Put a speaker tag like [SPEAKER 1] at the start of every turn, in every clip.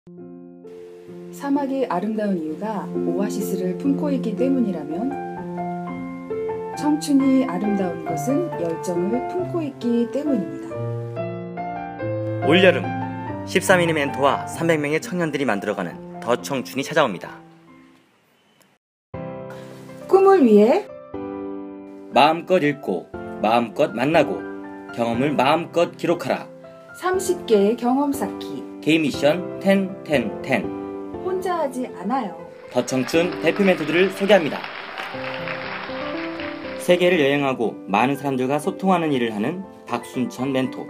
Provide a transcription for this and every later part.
[SPEAKER 1] 사막이 아름다운 이유가 오아시스를 품고 있기 때문이라면 청춘이 아름다운 것은 열정을 품고 있기 때문입니다.
[SPEAKER 2] 올여름 13인의 멘토와 300명의 청년들이 만들어가는 더 청춘이 찾아옵니다.
[SPEAKER 1] 꿈을 위해
[SPEAKER 2] 마음껏 읽고 마음껏 만나고 경험을 마음껏 기록하라.
[SPEAKER 1] 30개의 경험 쌓기.
[SPEAKER 2] 개인 미션 10-10-10.
[SPEAKER 1] 혼자 하지 않아요.
[SPEAKER 2] 더 청춘 대표 멘토들을 소개합니다. 세계를 여행하고 많은 사람들과 소통하는 일을 하는 박순천 멘토.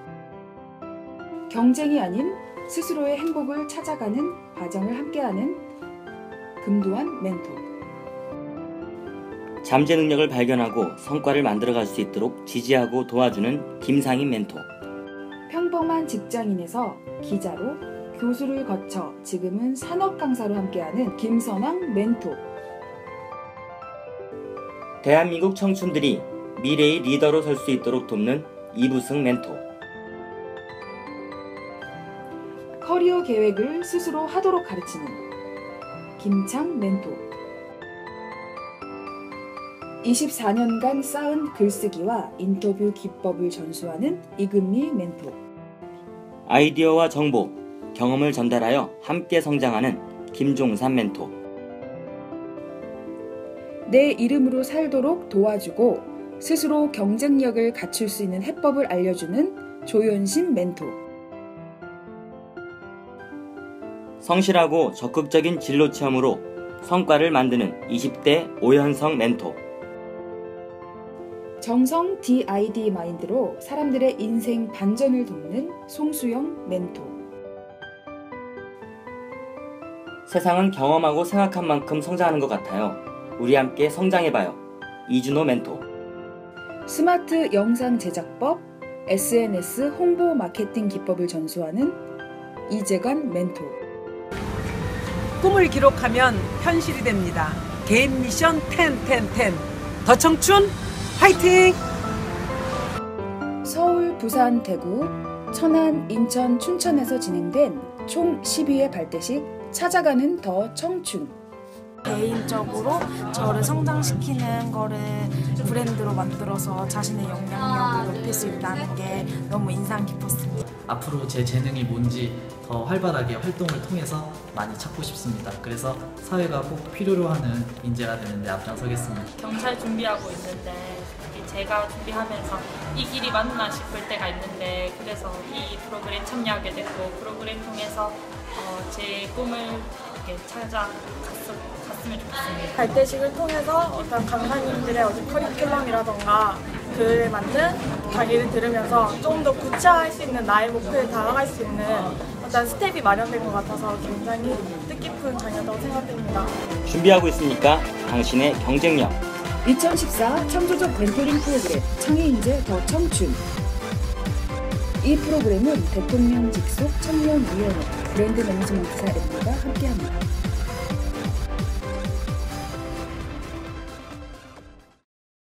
[SPEAKER 1] 경쟁이 아닌 스스로의 행복을 찾아가는 과정을 함께하는 금도한 멘토.
[SPEAKER 2] 잠재 능력을 발견하고 성과를 만들어갈 수 있도록 지지하고 도와주는 김상인 멘토.
[SPEAKER 1] 평범한 직장인에서 기자로 교수를 거쳐 지금은 산업 강사로 함께하는 김선왕 멘토.
[SPEAKER 2] 대한민국 청춘들이 미래의 리더로 설 수 있도록 돕는 이부승 멘토.
[SPEAKER 1] 커리어 계획을 스스로 하도록 가르치는 김창 멘토. 24년간 쌓은 글쓰기와 인터뷰 기법을 전수하는 이금미 멘토.
[SPEAKER 2] 아이디어와 정보, 경험을 전달하여 함께 성장하는 김종산 멘토.
[SPEAKER 1] 내 이름으로 살도록 도와주고 스스로 경쟁력을 갖출 수 있는 해법을 알려주는 조연심 멘토.
[SPEAKER 2] 성실하고 적극적인 진로 체험으로 성과를 만드는 20대 오현성 멘토.
[SPEAKER 1] 정성 DID 마인드로 사람들의 인생 반전을 돕는 송수영 멘토.
[SPEAKER 2] 세상은 경험하고 생각한 만큼 성장하는 것 같아요. 우리 함께 성장해봐요. 이준호 멘토.
[SPEAKER 1] 스마트 영상 제작법, SNS 홍보 마케팅 기법을 전수하는 이재관 멘토.
[SPEAKER 3] 꿈을 기록하면 현실이 됩니다. 개인 미션 10-10-10. 더 청춘 화이팅!
[SPEAKER 1] 서울, 부산, 대구, 천안, 인천, 춘천에서 진행된 총 12회 발대식 찾아가는 더 청춘.
[SPEAKER 4] 개인적으로 저를 성장시키는 거를 브랜드로 만들어서 자신의 영향력을 높일 수 있다는 게 너무 인상 깊었습니다.
[SPEAKER 5] 앞으로 제 재능이 뭔지 더 활발하게 활동을 통해서 많이 찾고 싶습니다. 그래서 사회가 꼭 필요로 하는 인재가 되는데 앞장서겠습니다.
[SPEAKER 6] 경찰 준비하고 있는데 제가 준비하면서 이 길이 맞나 싶을 때가 있는데 그래서 이 프로그램 참여하게 됐고 프로그램 통해서 제 꿈을 이렇게 찾아갔으면 좋겠습니다.
[SPEAKER 4] 발대식을 통해서 어떤 강사님들의 커리큘럼이라던가 그 만든 강의를 들으면서 좀 더 구체화할 수 있는 나의 목표에 다가갈 수 있는 어떤 스텝이 마련된 것 같아서 굉장히 뜻깊은 강의였다고 생각됩니다.
[SPEAKER 2] 준비하고 있으니까 당신의 경쟁력.
[SPEAKER 1] 2014 창조적 멘토링 프로그램 창의인재 더 청춘. 이 프로그램은 대통령 직속 청년위원회 브랜드 매니지먼트사 M과 함께합니다.